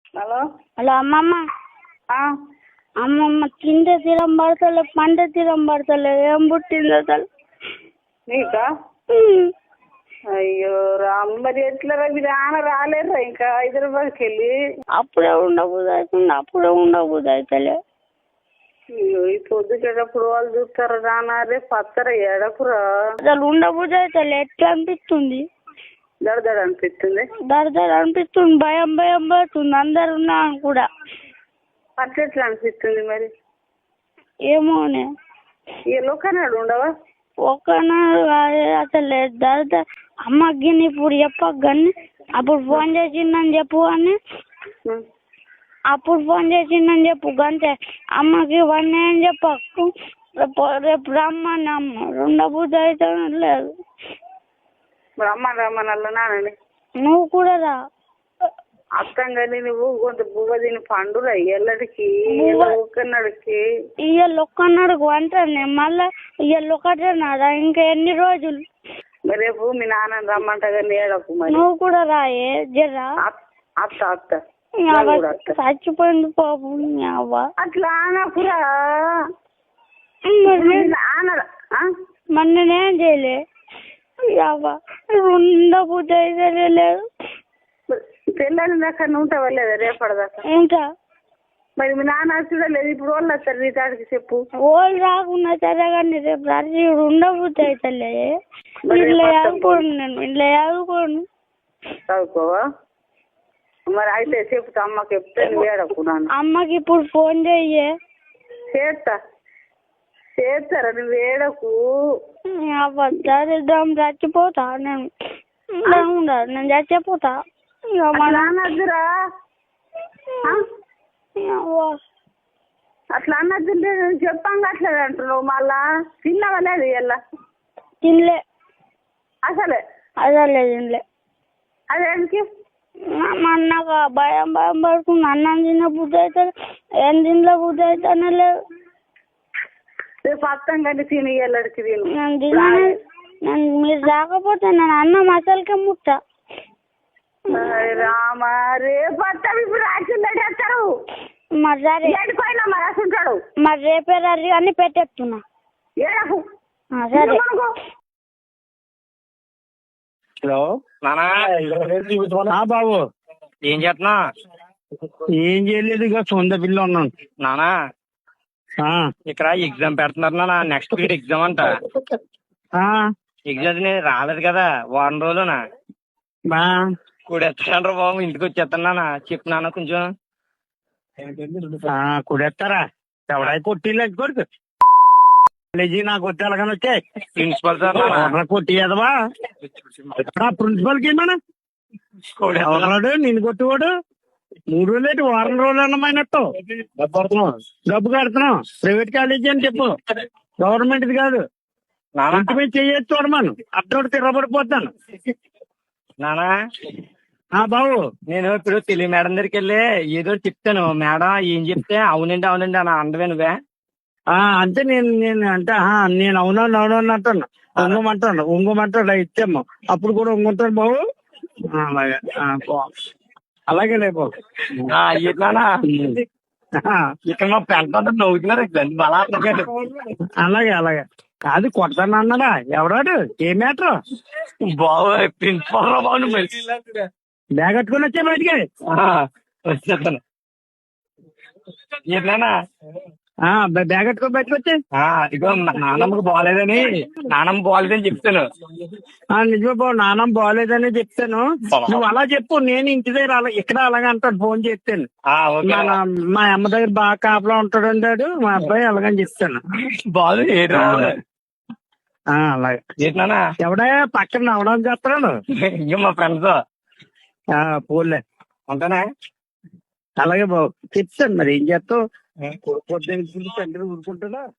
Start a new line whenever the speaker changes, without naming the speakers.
Hello
hello అమ్మమ్మ. అమ్మమ్మ తింటే తీరం పడతలే, పంట తీరం పడతలే, ఏం పుట్టింది అసలు
నీకా? అయ్యో రామ్, మరి ఎట్లా మీరు ఆన రాలేరా ఇంకా హైదరాబాద్కి వెళ్ళి?
అప్పుడే ఉండబుద్ధి అవుతుంది, అప్పుడే ఉండబుద్ధి అవుతలే.
అయ్యో ఈ పొద్దుకేటప్పుడు వాళ్ళు చూస్తారా రానా? రేపు పత్తరా ఏడకురా?
అసలు ఉండబుద్ధి అవుతలే, ఎట్లా అనిపిస్తుంది?
దడదడ అనిపిస్తుంది,
దడదడ అనిపిస్తుంది, భయం భయం పడుతుంది, అందరు ఉన్నా కూడా.
అట్లా ఎట్లా అనిపిస్తుంది మరి?
ఏమోనే,
ఈ లోకనాడు ఉండవా?
ఒక్కనాడు అసలు దడద. అమ్మకి ఇప్పుడు చెప్పకు కానీ అప్పుడు ఫోన్ చేసిందని చెప్పు అని, అప్పుడు ఫోన్ చేసిందని చెప్పు గంతే. అమ్మకి ఇవన్నీ అని చెప్పకు, రేపు రమ్మని అమ్మ ఉండబుద్ధి అయితే లేదు.
మరి అమ్మ రమ్మనల్లా నానండి,
నువ్వు కూడా రా.
అర్థం కానీ నువ్వు కొంత బువ్వ తిని పండురా ఎల్లడికి ఒక్కనాడికి.
ఇవాళ ఒక్కనాడుకు అంటాను మళ్ళా, ఇవాళ ఒకటే నాదా ఇంకా ఎన్ని రోజులు?
మరి రేపు మీ నాన్న రమ్మంట కానీ ఏడకు మరి.
నువ్వు కూడా రాయే జరా.
అత్త అత్త
చచ్చిపోయింది పాపం.
అట్లా అనకురా,
మరి నేనేం చేయలే. ఉండబుద్ధి అయితే లేదు.
తెల్లని దాకా ఉంటావా లేదా రేపటిదాకా?
ఉంటా.
మరి మీ నాన్న చూడలేదు, ఇప్పుడు వాళ్ళు వస్తారు నీ తాడికి చెప్పు.
వాళ్ళు రాకుండా సరే కానీ రేపు రాత్రి ఉండబుద్ధి అవుతలే. ఇంట్లో చదువుకోండి, నేను ఇంట్లో చదువుకోండి.
చదువుకోవా? మరి అయితే చెప్తా అమ్మకి, చెప్తే నువ్వు ఏడకున్నాను.
అమ్మకి ఇప్పుడు ఫోన్ చెయ్యే.
చేస్తారా? నువ్వు ఏడకు.
దరిద్రం చచ్చిపోతా నేను, ఉండదు నేను చచ్చిపోతా.
అనద్దురా, అట్లా అన్నద్దు చెప్పంగా అట్లా అంటున్నావు. మళ్ళా తిన్నావా లేదు? ఎలా
తినలే
అసలే?
అసలే తినలే.
అదేంటి
నాకు భయం భయం పడుతుంది. అన్నం తిన్న బుద్ధి అవుతుంది, ఏం తినలే బుద్ధి అవుతానే లేదు.
రేపు అర్థం కానీ తిని ఎల్లడికి తిను.
నేను తిన్నాను, మీరు రాకపోతే నేను అన్నం అసలుకే ముట్టా.
రామా, రేపు వస్తావు, ఇప్పుడు రాసిందని చెప్తారు.
మరి సరే
ఏడిపోయినా మరి రాసుంటాడు.
మరి రేపే రర్రి అని పెట్టేస్తున్నా.
ఏడకు.
సరే.
హలో నానా, బాబు
ఏం చేస్తున్నా?
ఏం చేయలేదు, ఇక సొంత పిల్ల ఉన్నాను
నానా. ఇక్కడ ఎగ్జామ్ పెడుతున్నారు నాన్న, నెక్స్ట్ వీక్ ఎగ్జామ్ అంట. ఎగ్జామ్ రాలేదు కదా వారం రోజులునా కూడెత్తాను బాబు, ఇంటికి వచ్చేస్తాను చెప్పు నాన్న కొంచెం.
కూడెత్తారా? ఎవడై కొట్టిల్లు కొడుకు కాలేజీ నాకు వచ్చి అలాగని వచ్చాయి.
Principal sir
కొట్టియదవా? ప్రిన్సిపల్ కి ఏమన్నా ఎవరాడు నిన్ను కొట్టివాడు? 3 రోజులు వారం రోజులు అన్నమైనట్టు డబ్బు కడుతున్నాం. ప్రైవేట్ కాలేజీ అని చెప్పు, గవర్నమెంట్ కాదు. ఇంటి మీద చెయ్యొచ్చు చూడమను, అప్పుడు తిరగబడిపోతాను.
నానా
బాబు,
నేను ఇప్పుడు తెలుగు మేడం దగ్గరికి వెళ్ళి ఏదో చెప్తాను. మేడం ఏం చెప్తే అవునండి అవునండి అని అందవే నువ్వే.
అంటే నేను అంటే నేను అవునవును అవునవును అంటాను, ఉంగమంటాడు ఇచ్చాము, అప్పుడు కూడా ఉంగుంటాను బాబు. అలాగే అలాగే లేబో.
ఇక్కడ మా పెంట నవ్వుతున్నారు
అలాగే అలాగే కాదు, కొడతాను అన్నాడా ఎవరాడు? ఏ మ్యాటర్
బాబు? ప్రిన్సిపల్ రా బాబు.
బ్యాగ్ కట్టుకుని వచ్చే బయటికి
వచ్చేస్తాను. ఏంటన్నా
బ్యాగ్ కట్టుకొని బయటకు వచ్చే.
ఇగో నానమ్మకి బాగాలేదని చెప్తాను.
నిజమే బాబు, నానమ్మ బాగోలేదని చెప్తాను. నువ్వు అలా చెప్పు, నేను ఇంటి దగ్గర ఇక్కడ అలాగే అంటాడు ఫోన్ చేస్తాను. మా అమ్మ దగ్గర బాగా కాపలా ఉంటాడు అంటాడు మా అబ్బాయి, అలాగని చెప్తాను. అలాగే ఎవడా పక్కన నవ్వడం చేస్తాడు?
ఇంకా మా ఫ్రెండ్స్.
పోలే
ఉంటానా?
అలాగే బాబు చెప్తాను. మరి ఏం చేస్తావు? పొద్దున్న ఊరుకుంటాడా?